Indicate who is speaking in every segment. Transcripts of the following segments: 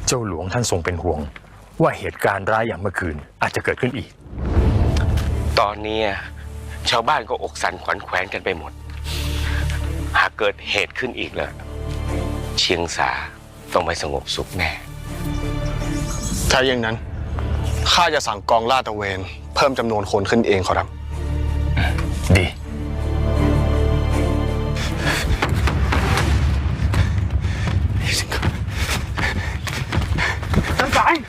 Speaker 1: เจ้าหลวงท่านทรงเป็นห่วงว่าเหตุการณ์ร้ายอย่างเมื่อคืนอาจจะเกิดขึ้นอีก
Speaker 2: ตอนนี้ชาวบ้านก็อกสั่นขวัญแขวนกันไปหมดหากเกิดเหตุขึ้นอีกแล้วเชียงสาต้องไม่สงบสุขแน่
Speaker 3: ถ้าอย่างนั้นข้าจะสั่งกองลาดตระเวนเพิ่มจำนวนคนขึ้นเองขอรับ
Speaker 1: ดี
Speaker 3: ท่านสาย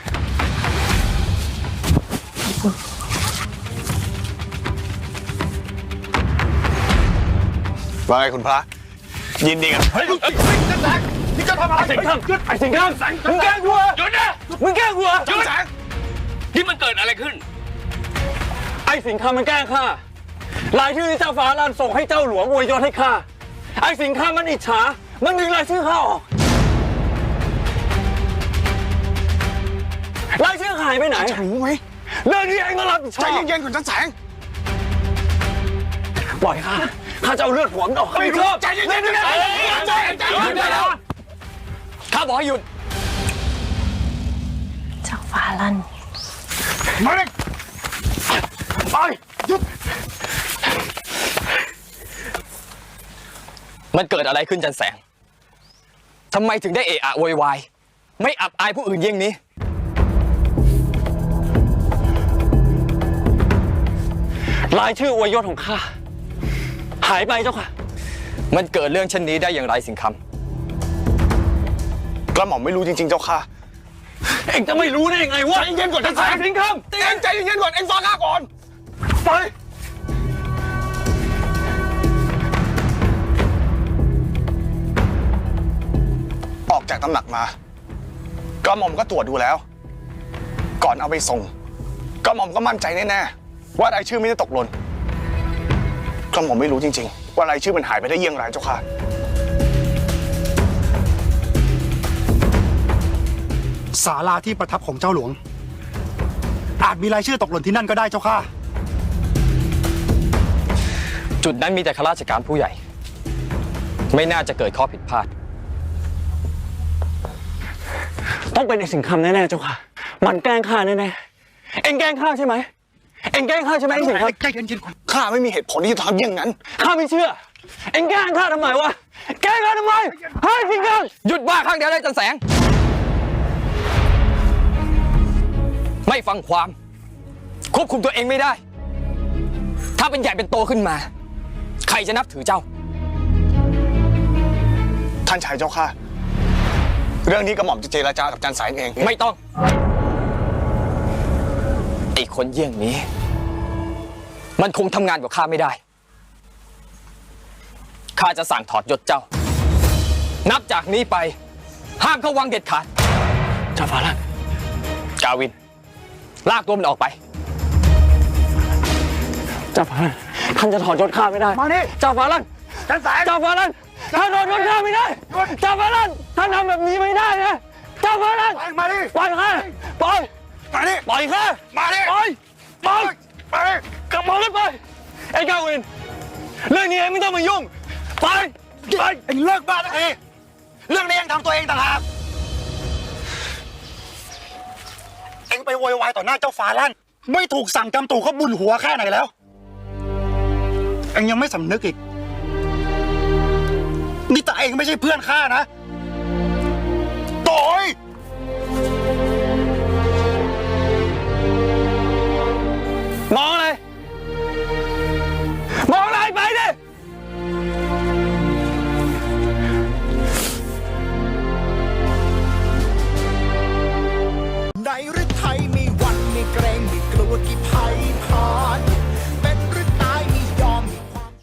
Speaker 3: ว่าไงคุณพระยินดีกันท่านสายนี่จะทำอะไรสิงห์ไอ้สิงห์มึงแกล้งกูหยุดนะมึงแกล้งกูหยุด
Speaker 2: นี่มันเกิดอะไรขึ้น
Speaker 4: ไอ้สิงห์มันแกล้งข้ารายชื่อที่เจ้าฟ้าลั่นส่งให้เจ้าหลวงอวยยศให้ข้าไอ้สิงห์มันอิจฉามันดึงรายชื่อข้าออกรายชื่อหายไปไหน
Speaker 3: จะรู้ไหม
Speaker 4: เรื่องนี้เองก็รับผิดชอบ
Speaker 3: ใจเย็นๆก่อนท่านแสง
Speaker 4: ปล่อยข้าจะเอาเลือดหัวมันออก
Speaker 3: ไม่รู้ใจเย็นๆ
Speaker 4: ข้าบอกให้หยุด
Speaker 5: เจ้าฟ้าลั่น
Speaker 3: มาเลยไปหยุด
Speaker 4: มันเกิดอะไรขึ้นจันแสงทำไมถึงได้เอะอะโวยวายไม่อับอายผู้อื่นเยี่ยงนี้รายชื่ออวยยศของข้าหายไปเจ้าค่ะมันเกิดเรื่องเช่นนี้ได้อย่างไรสิงห์คำ
Speaker 3: กระหม่อมไม่รู้จริงๆเจ้าค่ะ
Speaker 4: เอ็งจะไม่รู้ได้ยังไงวะ
Speaker 3: ใจเย็นก่อนท่านแสง
Speaker 4: สิงห์คำ
Speaker 3: เอ็งใจเย็นก่อนเอ็งฟังข้าก่อนไปออกจากตำหนักมากระหม่อมก็ตรวจดูแล้วก่อนเอาไปส่งกระหม่อมก็มั่นใจแน่ๆว่ารายชื่อไม่ได้ตกหล่นกระหม่อมไม่รู้จริงๆว่ารายชื่อมันหายไปได้เยี่ยงไรเจ้าค่ะ
Speaker 6: ศาลาที่ประทับของเจ้าหลวงอาจมีรายชื่อตกหล่นที่นั่นก็ได้เจ้าค่ะ
Speaker 4: จุดนั้นมีแต่ข้าราชการผู้ใหญ่ไม่น่าจะเกิดข้อผิดพลาดต้องเป็นไอ้สิงห์คำแน่ๆเจ้าค่ะมันแกล้งข้าแน่ๆเอ็งแกล้งข้าใช่ไหมเอ็งแกล้งข้าใช่ไหมไอ้สิงห์คำ
Speaker 6: ใจเย็นๆก่อน
Speaker 3: ข้าไม่มีเหตุผลที่จะทำอย่างนั้น
Speaker 4: ข้าไม่เชื่อเอ็งแกล้งข้าทำไมวะแกล้งข้าทำไมเฮ้ยสิงห์คำหยุดบ้าข้างเดียวได้จันแสงไม่ฟังความควบคุมตัวเองไม่ได้ถ้าเป็นใหญ่เป็นโตขึ้นมาใครจะนับถือเจ้า
Speaker 3: ท่านชายเจ้าค่ะเรื่องนี้กระหม่อมจะเจรจากับจันสายเอง
Speaker 4: ไม่ต้องไอ้คนเยี่ยงนี้มันคงทำงานกับข้าไม่ได้ข้าจะสั่งถอดยศเจ้านับจากนี้ไปห้ามเข้าวังเด็ดขาดเจ้าฟ้าลั่นกาวินลากตัวมันออกไปเจ้าฟ้าลั่นท่านจะถอดยศข้าไม่ได้
Speaker 3: มานี่
Speaker 4: เจ้าฟ้าลั่น
Speaker 3: จันสาย
Speaker 4: เจ้าฟ้าลั่นท่านถอดยศข้าไม่ได้เจ้าฟ้าลั่นท่านทำแบบนี้ไม่ได้นะเจ้าฟ้าลั่น
Speaker 3: มาดิ
Speaker 4: ปล่อยข้าปล่อย
Speaker 3: มาดิ
Speaker 4: ปล่อยข้า
Speaker 3: มาดิ
Speaker 4: ปล่อย
Speaker 3: มาดิ
Speaker 4: กลับมาเลยไปไอ้กาวินเรื่องนี้เองไม่ต้องมายุ่งไป
Speaker 3: เอ็งเลิกบ้าสักทีเรื่องนี้เอ็งทำตัวเองต่างหากเอ็งไปโวยวายต่อหน้าเจ้าฟ้าลั่นไม่ถูกสั่งกำตู่เขาบุญหัวแค่ไหนแล้วเอ็งยังไม่สำนึกอีกนี่แต่เอ็งไม่ใช่เพื่อนข้านะโต้ย
Speaker 4: มองอะไร